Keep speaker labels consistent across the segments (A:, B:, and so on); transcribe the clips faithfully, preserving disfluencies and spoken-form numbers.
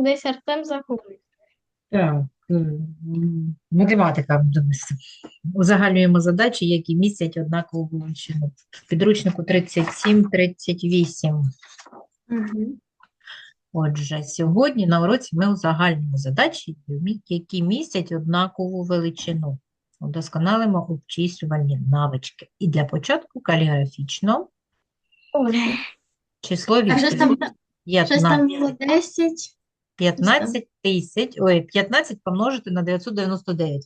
A: потім десь Артем загубить.
B: Так, м, математика, дивися. Узагальнюємо задачі, які містять однакову величину. В підручнику тридцять сім тридцять вісім.
A: Угу.
B: Отже, сьогодні на уроці ми узагальнюємо задачі, які містять однакову величину. Удосконалимо обчислювальні навички. І для початку каліграфічно число
A: А щось там,
B: відповідь
A: щось там було
B: п'ятнадцять.
A: десять.
B: п'ятнадцять тисяч, ой, п'ятнадцять помножити на дев'ятсот дев'яносто дев'ять.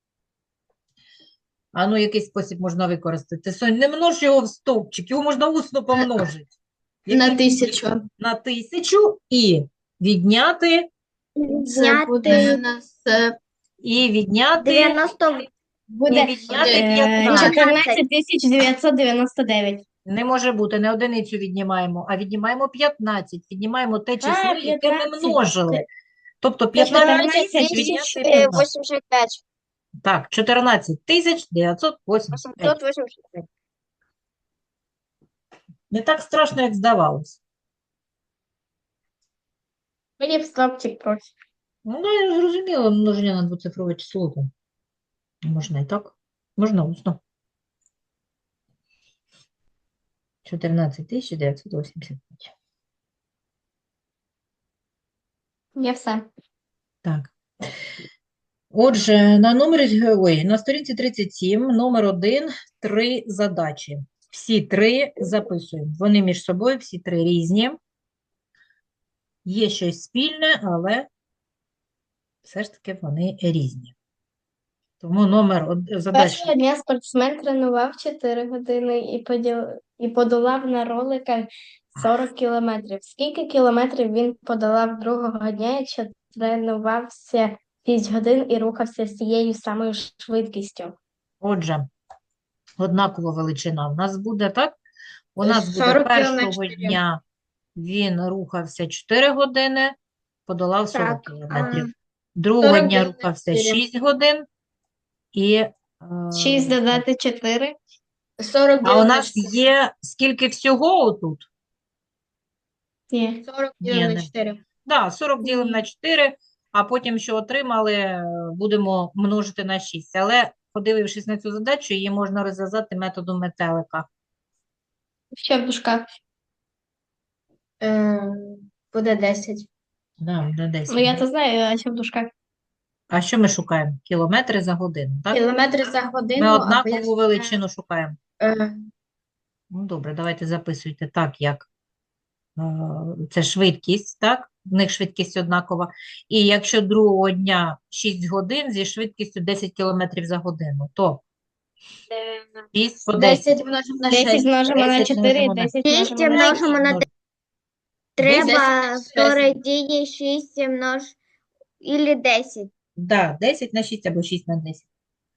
B: А ну, який спосіб можна використати? Сонь, не множ його в стовпчик, його можна усно помножити.
A: На
B: Який
A: тисячу.
B: на тисячу і відняти,
A: Це буде у нас е,
B: і відняти,
C: дев'яносто
B: і
A: буде
B: відняти
A: е,
B: п'ятнадцять.
A: чотирнадцять тисяч дев'ятсот дев'яносто дев'ять.
B: Не може бути, не одиницю віднімаємо, а віднімаємо п'ятнадцять. Віднімаємо те число, яке ми
A: п'ятнадцять.
B: множили. Тобто п'ятнадцять тисяч відняти
C: тисяч
B: п'ятнадцять.
C: вісімдесят п'ять.
B: Так, чотирнадцять тисяч дев'ятсот вісімдесят п'ять.
C: восемьсот восемьдесят пять.
B: Не так страшно, як здавалось.
A: Мені в стопчик просить.
B: Ну, я зрозуміла, множення на двоцифрове число. Там. Можна і так. Можна усно. чотирнадцять тисяч дев'ятсот вісімдесят п'ять.
A: Я все.
B: Так. Отже, на номері, ой, на сторінці тридцять сім, номер один, три задачі. Всі три записуємо. Вони між собою, всі три різні. Є щось спільне, але все ж таки вони різні. Тому номер од- задачі.
A: Першого дня спортсмен тренував чотири години і, поділ... і подолав на роликах сорок кілометрів. Скільки кілометрів він подолав другого дня, якщо тренувався шість годин і рухався з тією самою швидкістю?
B: Отже, однакова величина в нас буде, так? У нас буде
A: сорок кіло на
B: першого
A: чотири.
B: дня він рухався чотири години, подолав сорок
C: Так,
B: кілометрів.
C: а,
B: Другого
A: сорок
B: дня
A: днів на
B: рухався
A: чотири.
B: шість годин і е,
A: шість додати чотири. сорок
B: а у нас є скільки всього отут?
A: Ні. сорок
B: Ні,
A: на
B: не-
A: чотири.
B: Да, сорок ділимо
A: Ні.
B: на чотири, а потім, що отримали, е, будемо множити на шість. Але, подивившись на цю задачу, її можна розв'язати методом метелика.
A: Що в дужках? Е, буде десять.
B: Да, буде десять.
A: Ну, я то знаю, а що в дужках?
B: А що ми шукаємо? Кілометри за годину, так?
A: Кілометри за годину,
B: Ми
A: а
B: однакову
A: пояснення,
B: величину шукаємо.
A: е,
B: Ну, добре, давайте записуйте так, як е, це швидкість, так? В них швидкість однакова. І якщо другого дня шість годин зі швидкістю десять кілометрів за годину, то шість по десять.
A: десять множимо на десять шість. множимо на
B: десять
A: чотири,
B: множимо на-
A: десять
C: шість
A: множимо на
C: множимо на
B: Множ-
C: треба
A: десять.
C: сорок дії шість множ или десять.
B: Да, десять на шість або шість на десять.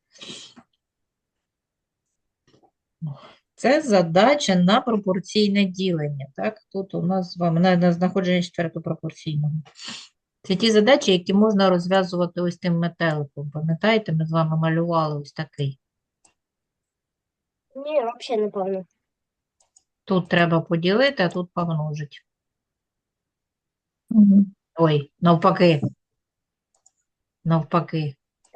B: Це задача на пропорційне ділення. Так? Тут у нас з вами на, на знаходження четвертопропорційного. Це ті задачі, які можна розв'язувати ось тим метеликом. Пам'ятаєте, ми з вами малювали ось такий.
C: Ні, взагалі не пам'ятаю.
B: Тут треба поділити, а тут помножити. Ой, навпаки. Навпаки.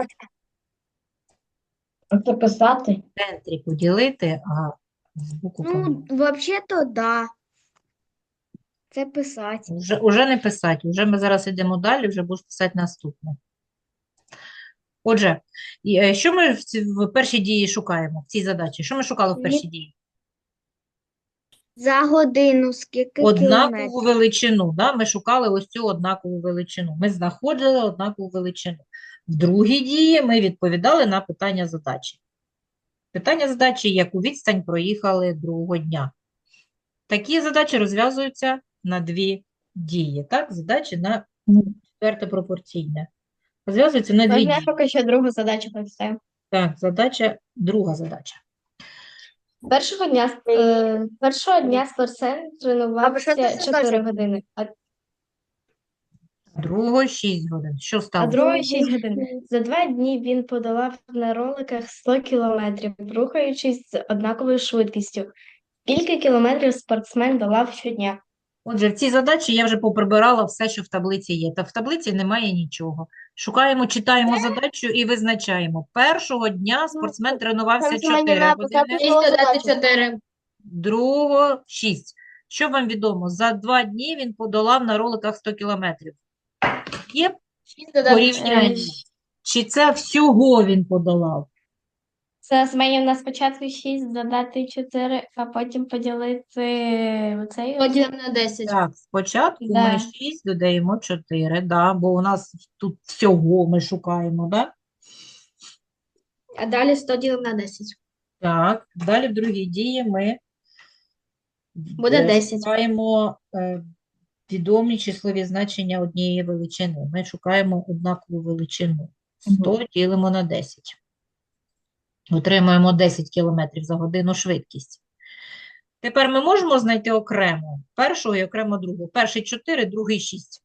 A: Це писати?
B: В центрі поділити, а збоку помножити.
C: Ну, взагалі-то да. Це писати.
B: Уже, уже не писати, вже ми зараз йдемо далі, вже будеш писати наступне. Отже, і, е, що ми в, ці- в першій дії шукаємо, в цій задачі? Що ми шукали в першій дії?
C: За годину скільки
B: Однакову
C: кілометрів?
B: величину, да? Ми шукали ось цю однакову величину. Ми знаходили однакову величину. В другій дії ми відповідали на питання задачі. Питання задачі, яку відстань проїхали другого дня. Такі задачі розв'язуються на дві дії. Так, задачі на четверте пропорційне. Розв'язуються на дві
A: Можна я
B: дії.
A: поки що другу задачу прочитаю?
B: Так, задача, друга задача.
A: Першого дня, е, першого дня спортсмен
C: Або що
A: тренувався
C: це за
A: чотири
C: задача?
A: години, а,
B: Другого шість годин. Що
A: а
B: стало?
A: другої шість годин. За два дні він подолав на роликах сто кілометрів, рухаючись з однаковою швидкістю. Скільки кілометрів спортсмен долав щодня?
B: Отже, в цій задачі я вже поприбирала все, що в таблиці є. Та в таблиці немає нічого. Шукаємо, читаємо задачу і визначаємо. Першого дня спортсмен тренувався чотири години,
C: додати чотири.
B: другого шість. Що вам відомо? За два дні він подолав на роликах сто кілометрів. Є
C: шість додати
B: порівняння? Чи це всього він подолав?
A: Це змінюємо на спочатку шість, додати чотири, а потім поділити оцей.
C: Поділимо на десять.
B: Так, спочатку ми
A: Да.
B: шість додаємо чотири, да, бо у нас тут всього ми шукаємо, да?
C: А далі сто ділимо на десять.
B: Так, далі в другій дії ми
C: Буде
B: е,
C: десять.
B: шукаємо е, відомі числові значення однієї величини. Ми шукаємо однакову величину. сто ділимо на десять. Отримаємо десять кілометрів за годину швидкість. Тепер ми можемо знайти окремо першого і окремо другого. Перший чотири, другий шість.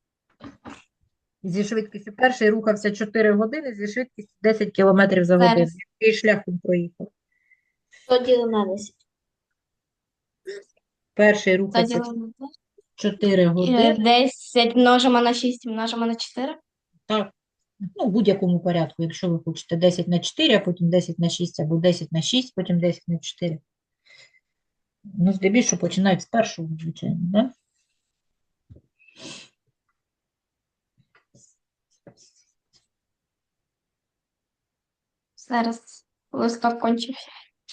B: Зі швидкістю перший рухався чотири години, зі швидкістю десять кілометрів за годину.
A: Зараз.
B: Який шлях він проїхав?
C: сто ділимо на десять.
B: Перший рухався
A: Поділимо на
B: чотири
A: Е,
B: години.
A: десять множимо на шість, множимо на чотири.
B: Так, ну, в будь-якому порядку, якщо ви хочете десять на чотири, а потім десять на шість, або десять на шість, потім десять на чотири. Ну, здебільшого починають з першого, звичайно, да?
A: Зараз листок кончився.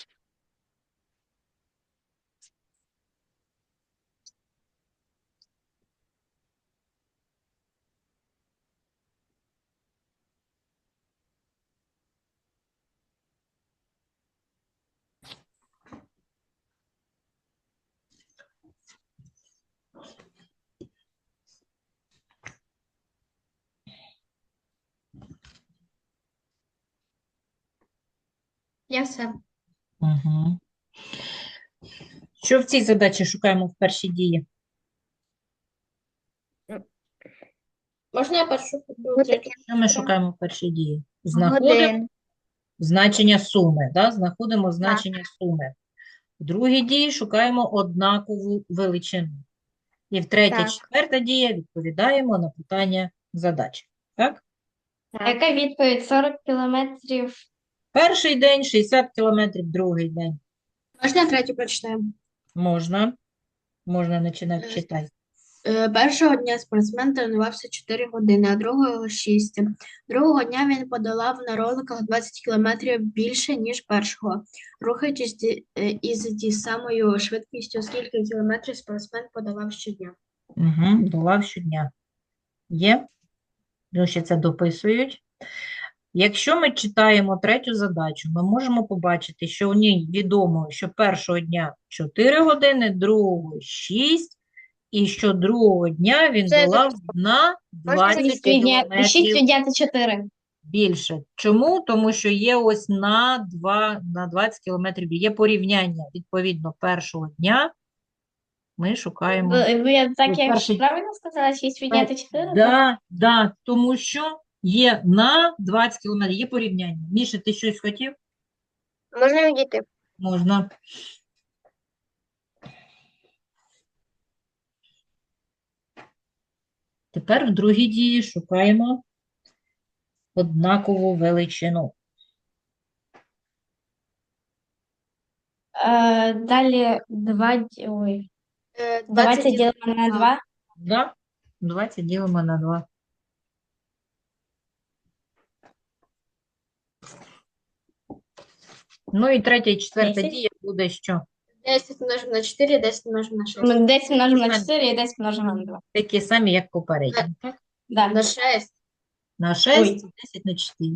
C: Я все.
B: Угу. Що в цій задачі шукаємо в першій дії?
C: Можна я першу?
B: Що ми шукаємо в першій дії? Знаходимо
C: Годин.
B: значення суми, да? Знаходимо значення суми. В другій дії шукаємо однакову величину. І в третя,
C: Так.
B: четверта дія відповідаємо на питання задачі. Так?
A: А яка відповідь? сорок кілометрів.
B: Перший день шістдесят кілометрів, другий день.
C: Можна я третю прочитаємо?
B: Можна. Можна починати
C: Е,
B: читати.
C: Е, Першого дня спортсмен тренувався чотири години, а другого шість. Другого дня він подолав на роликах двадцять кілометрів більше, ніж першого. Рухаючись ті- е, із тією самою швидкістю, скільки кілометрів спортсмен подолав щодня.
B: Угу. Долав щодня. Є? Ну, ще це дописують. Якщо ми читаємо третю задачу, ми можемо побачити, що у ній відомо, що першого дня чотири години, другого шість, і що другого дня він
C: Це
B: долав на двадцять
A: шість відняти, шість
B: кілометрів
A: відняти чотири.
B: більше. Чому? Тому що є ось на два, на двадцять кілометрів, є порівняння. Відповідно, першого дня ми шукаємо.
A: Ви- ви- Я так
B: Ну,
A: я
B: перший-
A: правильно сказала? шість відняти чотири?
B: Да, да, тому що є на двадцять кілометрів, є порівняння. Міша, ти щось хотів?
C: Можна відійти?
B: Можна. Тепер в другій дії шукаємо однакову величину.
A: Е, Далі два, ді- ой,
C: Е,
A: двадцять ділимо на
C: два.
A: два.
B: Да? двадцять ділимо на два. Ну і третя і четверта
A: десять.
B: дія буде що?
C: десять множимо на чотири, десять множимо на шість.
A: Ми десять множимо на
B: Можна.
A: чотири і десять множимо на два.
B: Такі самі, як попередні. Так?
A: Да.
C: На шість.
B: На шість,
A: Ой.
B: десять на чотири.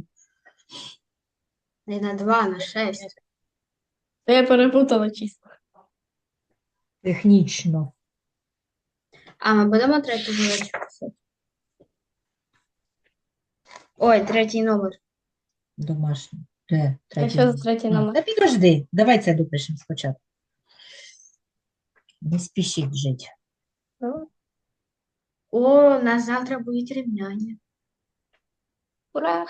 C: Не на два, на шість.
A: То я перепутала числа.
B: Технічно.
C: А, ми будемо третю задачу писати? Ой, третій номер.
B: Домашній. Де?
A: Я
B: Третій
A: що за
B: номер?
A: третій
B: А,
A: номер?
B: Та підожди, давай це допишемо спочатку. Не спішіть жити.
C: О, у нас завтра будуть рівняння.
A: Ура!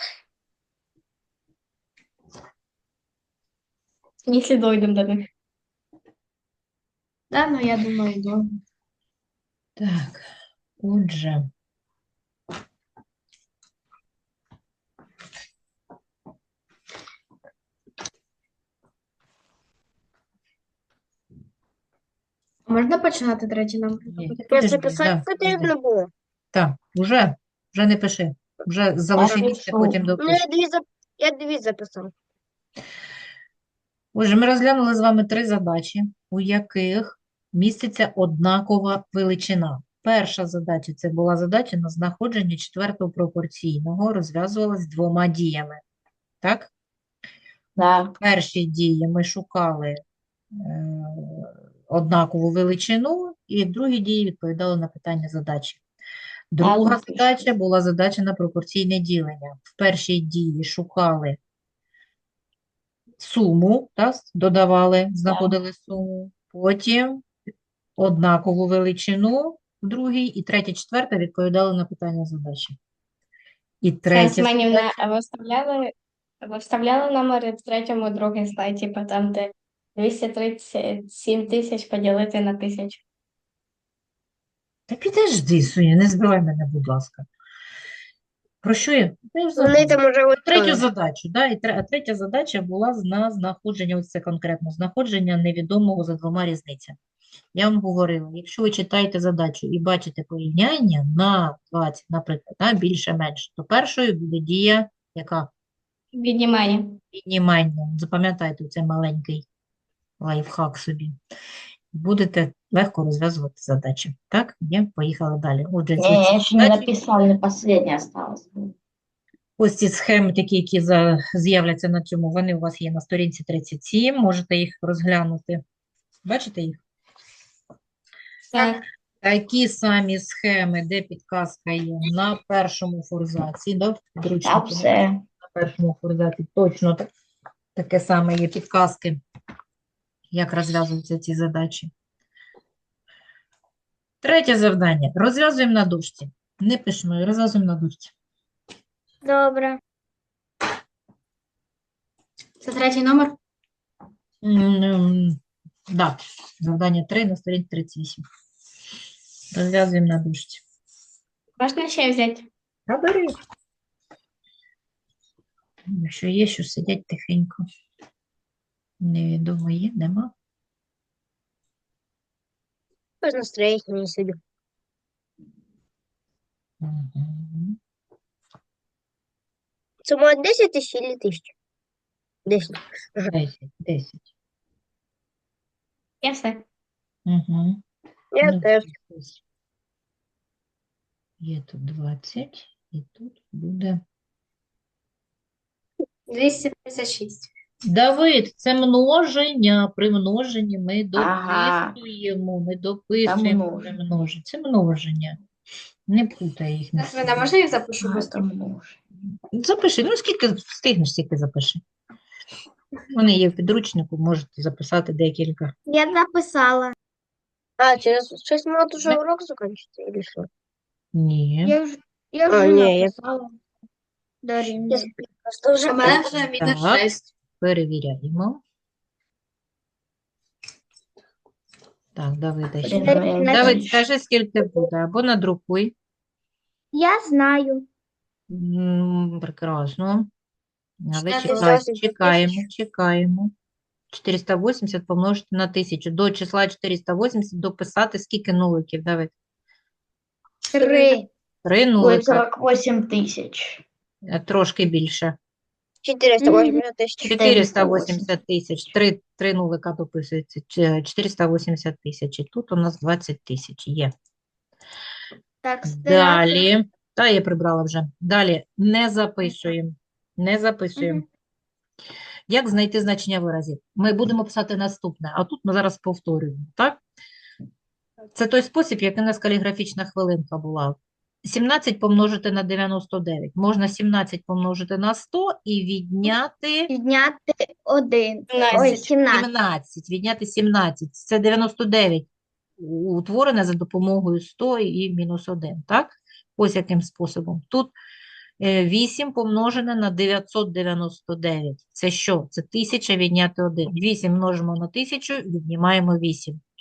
A: Якщо дойдемо до них.
C: Да, ну я думаю, добре.
B: Так, отже,
C: Можна починати третій номер?
B: є.
C: робити?
B: Підожди, да, підожди.
C: було.
B: Так, уже, вже не пиши. Вже залиши місце,
A: пишу.
B: потім допиши.
C: дві, зап... я дві записав.
B: Отже, ми розглянули з вами три задачі, у яких міститься однакова величина. Перша задача – це була задача на знаходження четвертого пропорційного, розв'язувалась двома діями. Так?
A: Да.
B: В першій дії ми шукали е, однакову величину, і в другій дії відповідали на питання задачі. Друга
A: Так,
B: задача була задача на пропорційне ділення. В першій дії шукали суму, так, додавали, знаходили суму, потім однакову величину в другій, і третя, четверта відповідали на питання задачі. І третя
A: Сенсменівна,
B: задача.
A: а ви вставляли, ви вставляли номери в третьому, другий слайд, типу там, де двісті тридцять сім тисяч поділити на тисячу.
B: Та підожди, Соня, не збивай мене, будь ласка. Про що я? Та я ж забула.
C: уже
B: Третю задачу, да? І тре- а третя задача була з- на знаходження, ось це конкретно, знаходження невідомого за двома різницями. Я вам говорила, якщо ви читаєте задачу і бачите порівняння на двадцять, наприклад, да, більше-менше, то першою буде дія, яка
A: Віднімання.
B: віднімання. Запам'ятайте цей маленький лайфхак собі. Будете легко розв'язувати задачі. Так, є, поїхали далі. Отже, ці
D: Не, я
B: всі
D: еще не
B: задачі,
D: написал, не последний осталось.
B: ось ці схеми, такі, які за- з'являться на цьому, вони у вас є на сторінці тридцять сім, можете їх розглянути. Бачите їх?
A: Так.
B: Такі самі схеми, де підказка є на першому форзаці, да, в
D: Та
B: підручнику,
D: все.
B: на першому форзаці точно так, таке саме є підказки, як розв'язуються ці задачі. Третє завдання. Розв'язуємо на дошці. Не пишемо, розв'язуємо на дошці.
C: Добре. Це третій номер?
B: М, Да, завдання три на сторінці тридцять вісім. Розв'язуємо на дошці.
A: Можна ще взяти?
B: Та бери. Якщо є, що сидять тихенько. Невідомо є, нема.
C: Без настроєння не сидю.
B: Мгм.
C: Це може десять тисяч чи тисяча? десять.
B: Десять, десять.
A: Я все.
B: Угу.
C: Я
B: Ну,
C: теж.
B: ось. Є тут двадцять, і тут буде.
C: двісті тридцять шість.
B: Давид, це множення. При множенні ми
D: Ага.
B: дописуємо, ми дописуємо при
D: множення.
B: множенні. Це множення. Не путай їх. між собою.
C: можна їх запишу
D: А, это множение.
B: Запиши, ну скільки встигнеш, стільки запиши. Вони є в підручнику, можете записати декілька.
C: Я написала. А, через шесть минут уже
B: Да.
C: урок закончится или что?
B: Ні.
C: Я вже, я
D: А,
C: вже
D: ні, я-
C: написала. Дарина. Просто вже у мене вже мінус
B: Так.
C: шесть.
B: Перевіряємо. Так, Давида ще.
D: Блін,
C: Давид,
D: ну,
B: Давид,
D: більше.
B: скажи, скільки буде, або надрукуй.
C: Я знаю.
B: М, Прекрасно. Але
C: чотириста
B: чекай,
C: вісімдесят
B: чекаємо,
C: тисяч.
B: чекаємо. чотириста вісімдесят помножити на тисячу. До числа чотириста вісімдесят дописати скільки нуликів, Давид?
C: Три.
B: Три
D: Будет
B: нулика,
D: сорок восемь тысяч.
B: е, трошки більше.
C: Чотириста вісімдесят тисяч.
B: чотириста вісімдесят тисяч. Три, три нулика дописується. Ч- чотириста вісімдесят тисяч. І тут у нас двадцять тисяч є.
C: Так,
B: Далі. Та я прибрала вже. Далі. Не записуємо. Не записуємо.
C: Мгм.
B: Як знайти значення виразів? Ми будемо писати наступне, а тут ми зараз повторюємо, так? Це той спосіб, який у нас каліграфічна хвилинка була. сімнадцять помножити на дев'яносто дев'ять. Можна сімнадцять помножити на сто і відняти
C: Підняти один.
A: Сімнадцять.
C: Ой, сімнадцять.
B: сімнадцять. Відняти сімнадцять. Це дев'яносто дев'ять утворене за допомогою сто і мінус один, так? Ось яким способом. Тут е, вісім помножене на дев'ятсот дев'яносто дев'ять. Це що? Це тисяча відняти один. вісім множимо на тисячу, віднімаємо вісім.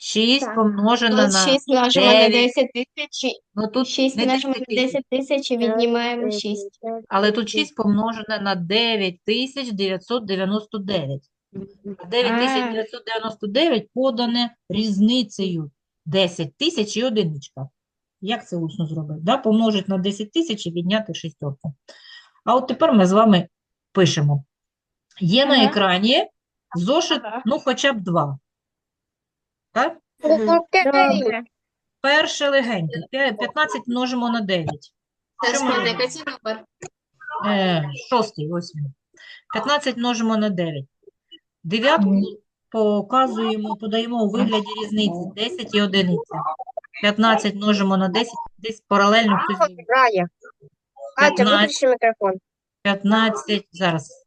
B: шість
A: Так.
B: помножено
A: Тут
B: на
A: шість множимо на
B: дев'ять.
A: десять тисяч.
B: Ну тут
A: шість
B: не
A: множимо
B: десять
A: на
B: тисяч,
A: десять тисяч і віднімаємо шість.
B: але тут шість помножене на дев'ять тисяч дев'ятсот дев'яносто дев'ять. А дев'ять тисяч дев'ятсот дев'яносто дев'ять подане різницею десять тисяч і одиничка. Як це усно зробити? Да? Помножити на десять тисяч і відняти шістерку. А от тепер ми з вами пишемо. Є на
A: Ага.
B: екрані зошит,
A: Ага.
B: ну хоча б два. Так?
A: Добре.
B: Перше легеньке. П'я- п'ятнадцять множимо на дев'ять. Що ми робимо?
C: Це номер.
B: Е, шостий, ось він. п'ятнадцять множимо на дев'ять. Дев'ятку показуємо, подаємо у вигляді різниці. десять і одиниця. п'ятнадцять множимо на десять. Десь паралельно хтось зробив.
A: Рая. Катя,
B: п'ятнадцять,
A: виключи мікрофон.
B: п'ятнадцять, зараз.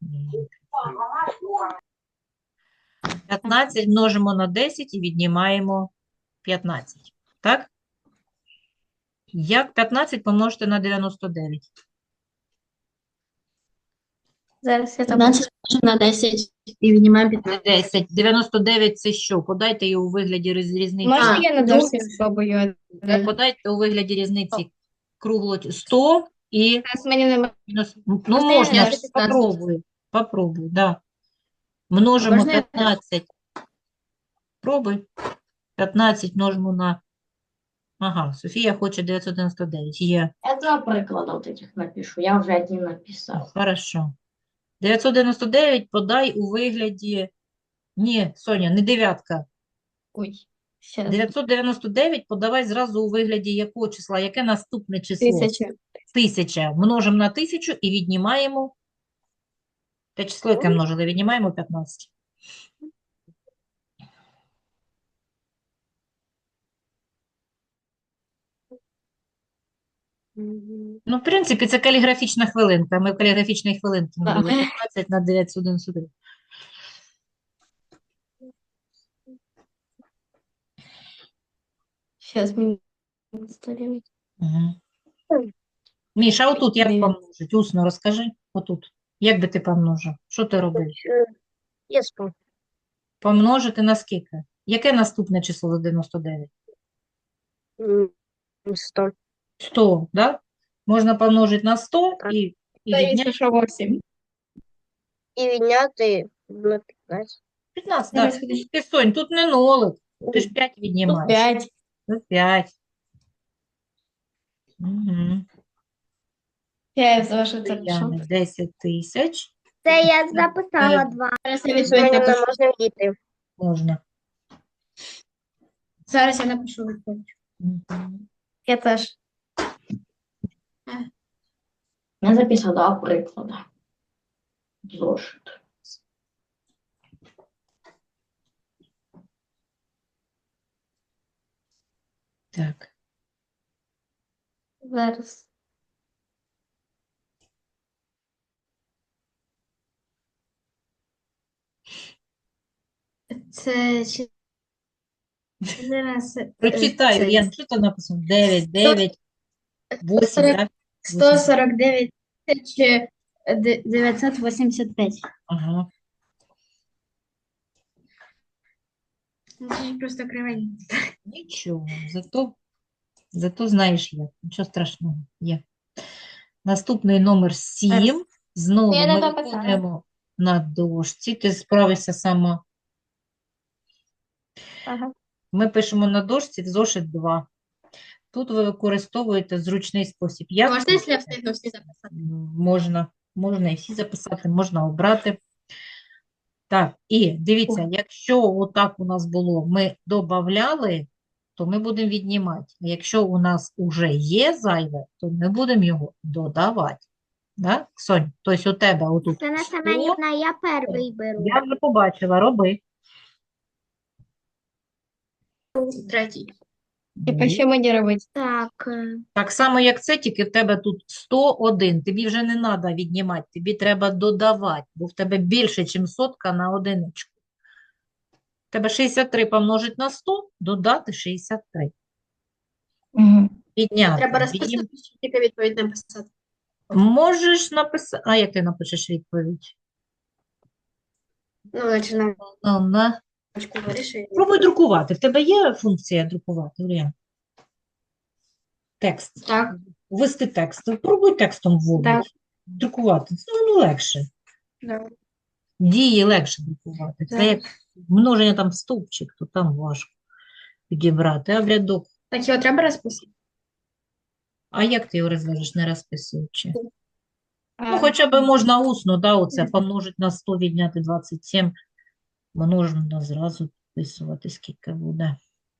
B: п'ятнадцять множимо на десять і віднімаємо п'ятнадцять. Так? Як п'ятнадцять помножити на дев'яносто дев'ять?
A: Зараз я так.
C: п'ятнадцять на десять і віднімаємо п'ятнадцять.
B: десять. дев'яносто дев'ять це що? Подайте її у вигляді різ- різниці.
A: Можна
C: А,
A: я на
C: друге.
A: дошці спробую?
B: Е, Подайте у вигляді різниці кругло сто і
A: Зараз мені немає.
B: мінус. Ну,
A: Можна я
B: можна,
A: на
B: ж,
A: дошці
B: попробуй. Попробуй, да. Множимо
C: Можна я-
B: п'ятнадцять. Пробуй. п'ятнадцять множимо на... Ага, Софія хоче дев'ятсот дев'яносто дев'ять. Є.
D: Я два приклада вот этих напишу. Я уже один написал.
B: Хорошо. дев'ятсот дев'яносто дев'ять подай у вигляді... Ні, Соня, не дев'ятка.
A: Ой, ще
B: дев'ятсот дев'яносто дев'ять подавай зразу у вигляді якого числа? Яке наступне число?
A: тисяча.
B: Тисяча. Множимо на тисячу і віднімаємо те число, яке множили, віднімаємо п'ятнадцять. Ну, в принципі, це каліграфічна хвилинка. Ми в каліграфічній хвилинці
A: Так.
B: робили п'ятнадцять на дев'ятсот дев'яносто дев'ять.
A: Зараз мені сторінку.
B: Угу. Міша, отут як
A: Дев'ять.
B: помножить? Усно розкажи. Отут. Як би ти помножив? Що ти робив?
A: Я спав.
B: Помножити на скільки? Яке наступне число за дев'яносто дев'ять?
A: сто.
B: сто, да? Можна помножити на сто
A: Так.
B: і, і відняти
A: що вісім. І відняти на п'ятнадцять.
B: п'ятнадцять.
A: Зараз
B: Да.
A: ходиш.
B: Ти, Сонь, тут не нолик. Ти ж п'ять віднімаєш.
A: п'ять.
B: Тут п'ять. Угу.
A: Я зошит запишу.
B: десять тисяч
A: Це я
B: записала
A: Е,
C: Зараз я
A: Мене
C: відповідь
A: не
C: напишу.
A: можна діти.
B: можна.
C: Зараз я напишу відповідь.
B: Мгм.
A: Я теж.
D: Я записал два приклада. Зошит.
B: Так.
A: Зараз.
C: Це чи- зараз, е,
B: Прочитай,
C: це
B: Ян, що там написано? дев'ять, дев'ять, вісім,
C: сорок-
B: так?
C: сто сорок дев'ять тисяч дев'ятсот вісімдесят п'ять.
B: Ага.
C: Це просто кривень.
B: Нічого, зато, зато знаєш як. Нічого страшного, є. Наступний номер сім. Знову
A: Я не
B: ми
A: дописала.
B: виконуємо на дошці. Ти справишся сама.
A: Ага.
B: Ми пишемо на дошці в зошит два. Тут ви використовуєте зручний спосіб. Як
C: Можна, якщо я
B: хочете.
C: встигну всі записати?
B: М, Можна, можна і всі записати, можна обрати. Так, і дивіться, якщо отак у нас було, ми додавали, то ми будемо віднімати. А якщо у нас вже є зайве, то ми будемо його додавати. Да? Сонь, тобто у тебе отут
E: Оксана
B: сто,
E: Семенівна, я перший беру.
B: я вже побачила, роби.
C: Третій.
A: Типа, що мені робити?
E: Так, е,
B: Так само, як це, тільки в тебе тут сто один. Тобі вже не треба віднімати, тобі треба додавати, бо в тебе більше, ніж сотка на одиничку. В тебе шістдесят три помножить на сто, додати шістдесят три.
D: Мгм.
B: Підняти.
C: Треба
B: Віднім-
C: розписати, щоб тільки відповідь написати.
B: Можеш написати. А як ти напишеш відповідь?
C: Ну, починаємо.
B: Ну, на...
C: вирішує.
B: Пробуй друкувати. В тебе є функція друкувати, Урія? Текст.
C: Так.
B: Ввести текст. Пробуй текстом вводити.
A: Так.
B: Друкувати. Це воно легше.
C: Да.
B: Дії легше друкувати. Це
C: Так.
B: як множення там стовпчик, то там важко підібрати. А в рядок.
C: Так його треба розписати?
B: А як ти його розв'яжеш, не розписуючи? Ну,
A: А,
B: хоча б можна усно, да, оце помножить на сто, відняти двадцять сім. Множимо зразу підписувати, скільки буде.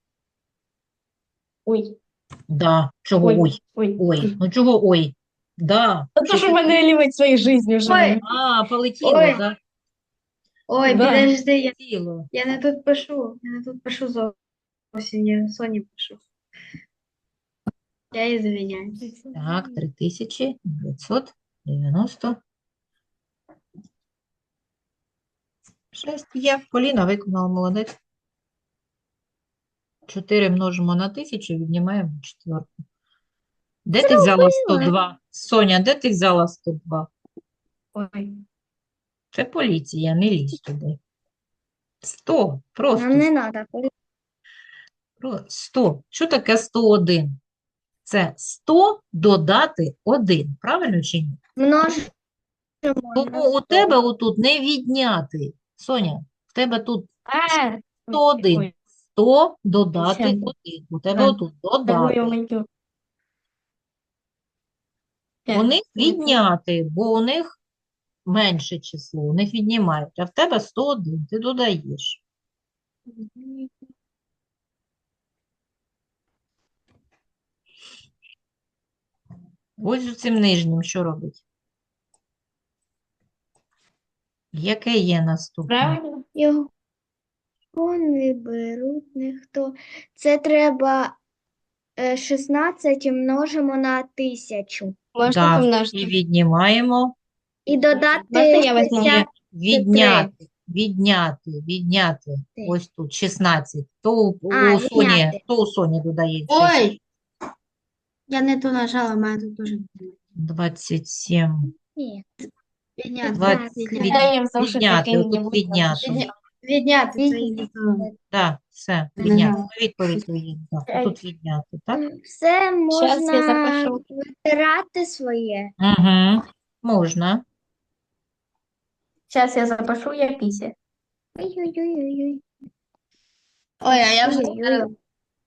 A: Ой,
B: Да, чого
A: ой,
B: ой?
A: ой.
B: Ой, ну чого ой? Да.
A: Це ж в мене лівить своїй житті вже.
C: Ой.
B: А, полетіло,
C: Ой.
B: да?
C: Ой,
A: Да.
C: підожди, я,
B: Полетіло.
C: я не тут пишу. Я не тут пишу зовсім, я Соні пишу. Я її звиняюсь.
B: Так, три тисячі дев'ятсот дев'яносто шість є. Поліна виконала, молодець. чотири множимо на тисячу, віднімаємо четверту. Де ти взяла сто два? Соня, де ти взяла сто два?
A: Ой.
B: Це поліція, не лізь туди. сто, просто
E: Нам не треба.
B: про- сто. Що таке сто один? Це сто додати один, правильно чи ні?
E: Множимо на
B: Тому у
E: сто.
B: тебе отут не відняти. Соня, в тебе тут
A: А,
B: сто один.
A: ой,
B: сто додати
A: Ще.
B: один. У тебе
A: А,
B: отут
A: та
B: додати.
A: ой-ой-ой.
B: У них
A: Ой,
B: відняти, бо у них менше число, у них віднімають, а в тебе сто один, ти додаєш. Ось з цим нижнім що робить? Яке є наступне?
A: Правильно?
E: Його не беруть ніхто. Це треба е, шістнадцять множимо на тисячу.
A: Можна
B: Так, і
A: помножити.
B: віднімаємо.
E: І додати
A: Можна я візьму?
E: шістдесят.
B: Відняти, відняти, відняти.
E: Три.
B: Ось тут шістнадцять. То у, у
E: А,
B: Соні,
E: відняти.
B: то у Соні додається.
C: Ой! Я не ту нажала, мене тут дуже
B: двадцять сім.
E: Ні.
C: відняти.
B: двадцять,
C: Відняти.
B: від-
A: Я їм завжди
B: відняти,
A: такий
B: отут
A: не
B: відняти.
A: буду.
C: Відняти, це
E: Відняти.
C: і то.
B: Так, все,
C: Ти
B: відняти.
C: нажала.
B: Ну, відповідь твої. Так, тут відняти, так?
E: Все
A: Щас я
E: можна
A: запишу.
E: витирати своє.
B: Угу. Можна.
A: Зараз я запишу, я після.
E: Ой-ой-ой-ой.
C: Ой, а я вже
E: Ой-ой-ой.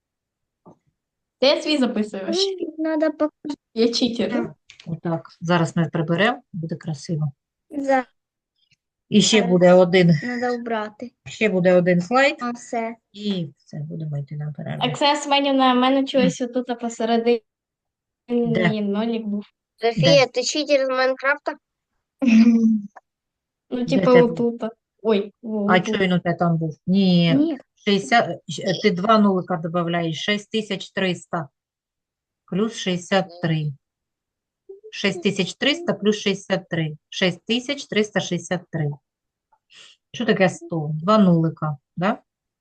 A: Ти свій записуєш.
E: Надо показати.
A: Я читер.
B: Отак. Зараз ми приберемо, буде красиво.
E: За-
B: І ще буде один,
E: Надо убрати.
B: ще буде один слайд,
E: А все.
B: і все, будемо йти на перерву.
A: Оксана Семенівна, в мене чогось отут посередині
B: Де?
A: нолик був.
E: Софія, ти читер з Майнкрафта?
A: Ну,
B: Де
A: типа
B: це
A: отут. Ой, во,
B: А
A: отут.
B: що він у тебе там був? Ні,
E: Ні.
B: шістдесят, щ- ти два нулика додаєш, шість тисяч триста плюс шістдесят три. шість тисяч триста плюс шістдесят три. шість тисяч триста шістдесят три. Що таке сто? Два нулика, да?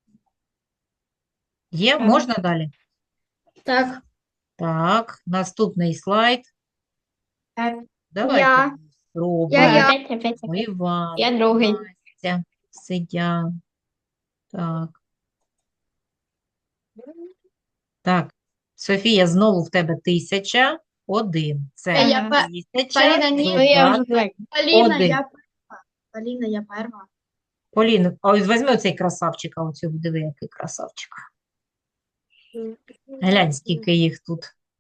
B: Є?
A: Ага.
B: Можна далі?
C: так.
B: Так, наступний слайд.
A: Так.
B: Давайте
E: Я.
B: спробуємо.
E: Я, я.
A: Опять, опять, опять.
B: Іван,
A: Я другий.
B: Настя, Сидя. Так. Так. Софія, знову в тебе тисяча один. Це
C: Е, я пе-
B: тисяча
C: Поліна, ні,
A: Ну, я вже
B: додати.
A: так.
C: Поліна,
B: Один.
C: я перша. Поліна, я перша.
B: Полін, а ось візьми оцей красавчика, оцього, диви, який красавчик. Глянь, скільки їх тут.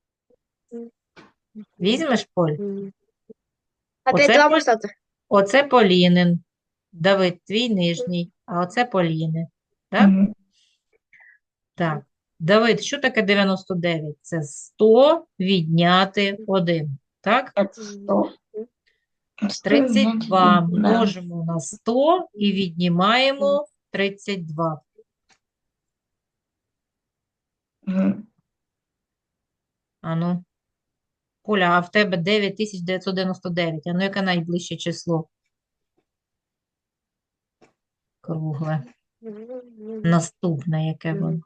B: Візьмеш, Поль?
E: А ти
B: Оце
E: два
B: Поль-
E: поставте.
B: Оце Полінин. Давид, твій нижній, а оце Поліни. Так?
A: Мгм.
B: Так. Давид, що таке дев'яносто дев'ять? Це сто відняти один. Так?
A: Сто.
B: тридцять два
A: Да.
B: множимо на сто і віднімаємо тридцять два.
A: Мгм.
B: Ану. Поля, а в тебе дев'ять тисяч дев'ятсот дев'яносто дев'ять. Ану, яке найближче число? Кругле. Наступне, яке воно?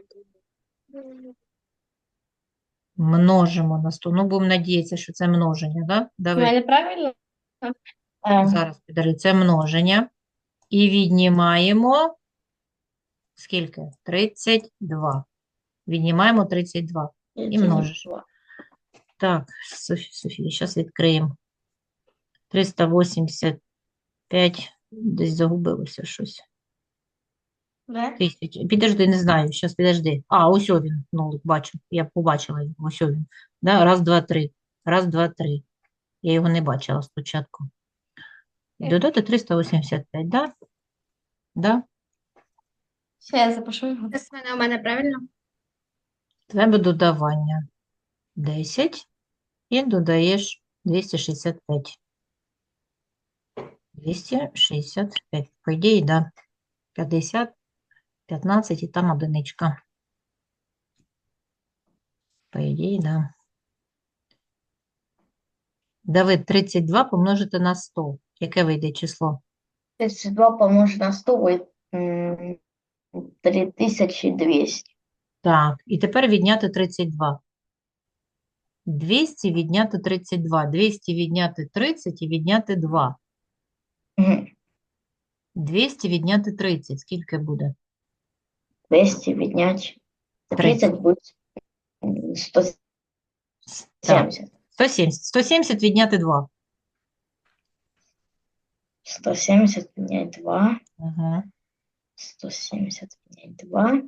B: Множимо на сто. Ну, будемо надіятися, що це множення, да?
A: У
B: Давид,
A: мене правильно? А,
B: зараз підожди, це множення. І віднімаємо Скільки? тридцять два. Віднімаємо тридцять два. І множиш. Так, Софі, Софія, зараз відкриємо. триста вісімдесят п'ять. Десь загубилося щось.
A: Да?
B: Тисяч. Підожди, не знаю. Зараз, підожди. А, ось о він, нолик, бачу. Я побачила його. Ось о він. Да? Раз, два, три. Раз, два, три. Я його не бачила спочатку. І додати триста вісімдесят п'ять, да? Да?
A: Ще я запишу його.
C: Це у мене правильно?
B: Треба додавання. десять. І додаєш двісті шістдесят п'ять. двісті шістдесят п'ять. По ідеї, да. п'ятдесят, п'ятнадцять і там одиничка. По ідеї, да. Давид, тридцять два помножити на сто. Яке вийде число?
D: тридцать два помножить на сто будет м, три тысячи двести.
B: Так, і тепер відняти тридцять два. двісті відняти тридцять два. двісті відняти тридцять і відняти два.
D: Мгм.
B: двісті відняти тридцять. Скільки буде?
D: двести віднять тридцать будет м, сто
B: Так,
D: семьдесят.
B: сто сімдесят. сто сімдесят відняти два.
D: сто семьдесят віднять два.
B: Угу.
D: сто семьдесят віднять два.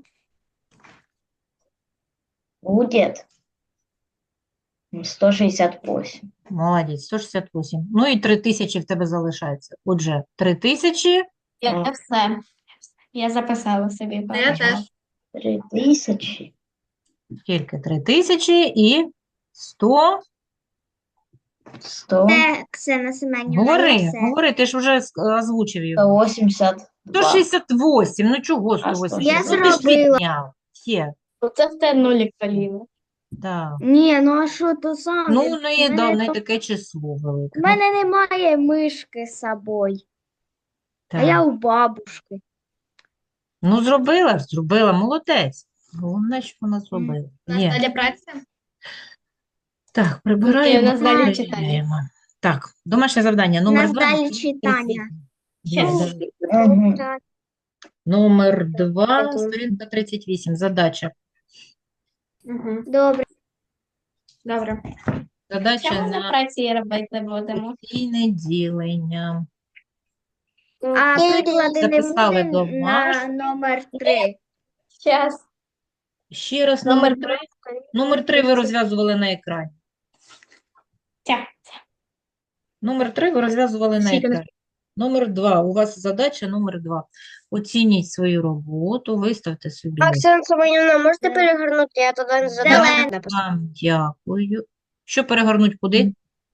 D: Будет м, сто шестьдесят восемь.
B: Молодець, сто шістдесят вісім. Ну і три тисячі в тебе залишається. Отже, три тисячі.
A: Я
D: А.
A: все. Я записала собі.
C: Я
A: папа.
C: теж.
D: три тысячи
B: Скільки? три тисячі і сто.
D: сто
E: Це Ксена Семенівна,
B: Говори,
E: я все.
B: говори, ти ж вже ск- озвучив його.
D: сто восемьдесят два.
B: сто шістдесят вісім, ну чого
D: А,
B: сто вісім?
E: Я
B: Ну ти ж
E: зробила.
B: відняв. Все,
A: Оце в те нулік, Поліна.
B: да.
E: Ні, ну а що то саме?
B: Ну, ну і
E: В
B: да, в
E: мене
B: неї
E: то-
B: таке число велике.
E: в
B: Ну,
E: мене немає мишки з собою, а
B: так.
E: я у бабушки.
B: Ну, зробила ж, зробила, молодець. Головне, що вона зробила. Є.
C: Далі праця.
B: Так, прибираємо,
A: у нас далі
B: перевіряємо.
A: читання.
B: Так, домашнє завдання
E: У
B: номер
E: нас
B: два.
E: далі
B: на сторінці
E: читання.
B: тридцять вісім.
D: Мгм.
E: Так.
B: Номер два,
E: Дякую.
B: сторінка тридцять вісім. Задача.
C: Угу.
E: Добре.
C: Добре.
B: Задача
A: Чому ми
B: на
A: праці робити будемо?
B: постійне ділення.
E: А приклади не
B: Записали
E: буде на
B: домашнє.
E: номер три.
A: Зараз.
B: Ще раз
A: Номер
B: номер
A: три.
B: три. Номер три ви розв'язували на екрані.
A: Ця.
B: Номер три ви розв'язували на
C: Скільки?
B: екрані. Номер два. У вас задача номер два. Оцініть свою роботу, виставте собі.
E: Оксана Семенівна, можете перегорнути? Я туди не
B: Я
E: задала.
B: вам дякую. Що перегорнуть куди?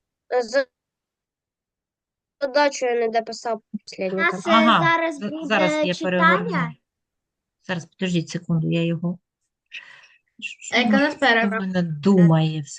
E: Задачу я не дописав останню.
B: Ага,
E: зараз
B: з-
E: буде
B: зараз я
E: читання?
B: перегорну. Зараз, підождіть секунду, я його. Що
C: Яка у нас
B: воно
C: перерва?
B: в мене думає все.